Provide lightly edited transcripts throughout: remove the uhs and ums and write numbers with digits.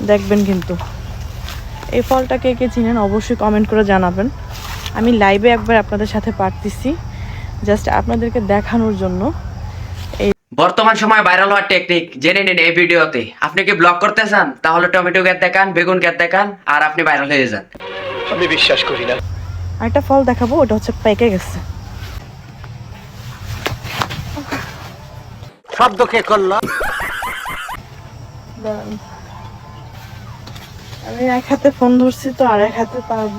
দেখবেন কিন্তু। এই ফলটা কে কে চিনেন অবশ্যই কমেন্ট করে জানাবেন। আমি লাইভে একবার আপনাদের সাথে পারতেছি, জাস্ট আপনাদেরকে দেখানোর জন্য। বর্তমান সময় ভাইরাল হওয়ার টেকনিক জেনে নিন এই ভিডিওতে। আপনি কি ব্লগ করতে চান, তাহলে টমেটো গাছ দেখান, বেগুন গাছ দেখান, আর আপনি ভাইরাল হয়ে যান। আমি বিশ্বাস করি না। আরেকটা ফল দেখাবো, ওটা হচ্ছে পেকে গেছে। শব্দ কে করলো? আমি এক হাতে ফোন ধরছি তো আর এক হাতে পারবো।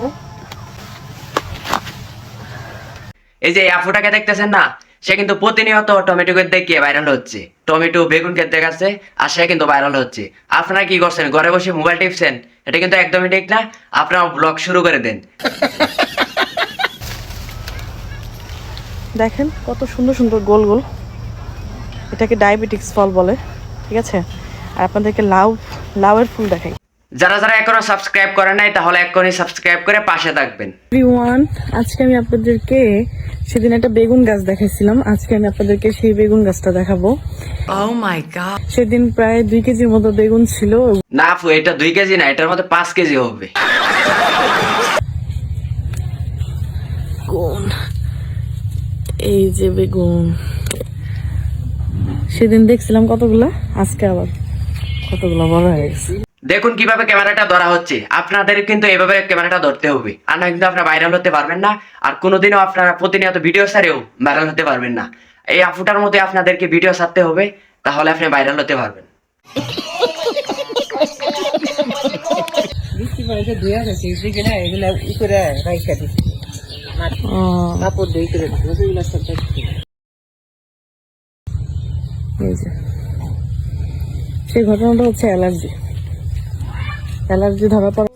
এই যে আপুটাকে দেখতেছেন না, সে কিন্তু প্রতিনিয়ত টমেটো গাছ দেখিয়ে ভাইরাল হচ্ছে, টমেটো বেগুন গাছ দেখাচ্ছে, আর সে কিন্তু ভাইরাল হচ্ছে। আপনারা কি করছেন, ঘরে বসে মোবাইল টিপছেন? এটা কিন্তু একদমই ঠিক না। আপনারা ব্লগ শুরু করে দেন। দেখেন কত সুন্দর সুন্দর গোল গোল, এটাকে ডায়াবেটিক্স ফল বলে, ঠিক আছে। আর আপনাদেরকে লাউয়ের ফুল দেখাই। যারা যারা এখনো সাবস্ক্রাইব করে নাই, তাহলে এখনই সাবস্ক্রাইব করে পাশে থাকবেন। এভরিওয়ান, আজকে আমি আপনাদেরকে সেদিন একটা বেগুন গাছ দেখাইছিলাম, আজকে আমি আপনাদেরকে সেই বেগুন গাছটা দেখাবো। Oh my god! সেদিন প্রায় 2 কেজির মতো বেগুন ছিল। না আপু, এটা 2 কেজি না, এটার মধ্যে 5 কেজি হবে। কোন এই যে বেগুন, সেদিন দেখছিলাম কতগুলা, আজকে আবার কতগুলা বড় হয়ে গেছে। দেখুন কিভাবে ক্যামেরাটা ধরা হচ্ছে। আপনাদের কিন্তু এভাবে ক্যামেরাটা ধরতে হবে, আর না কিন্তু আপনারা ভাইরাল হতে পারবেন না। আর কোনোদিনও আপনারা প্রতিনিয়ত ভিডিও ছাড়েও ভাইরাল হতে পারবেন না। এই আপুটার মধ্যে আপনাদেরকে ভিডিও ছাড়তে হবে, তাহলে আপনি ভাইরাল হতে পারবেন। সেই ঘটনাটা হচ্ছে অ্যালার্জি ধরা পড়া।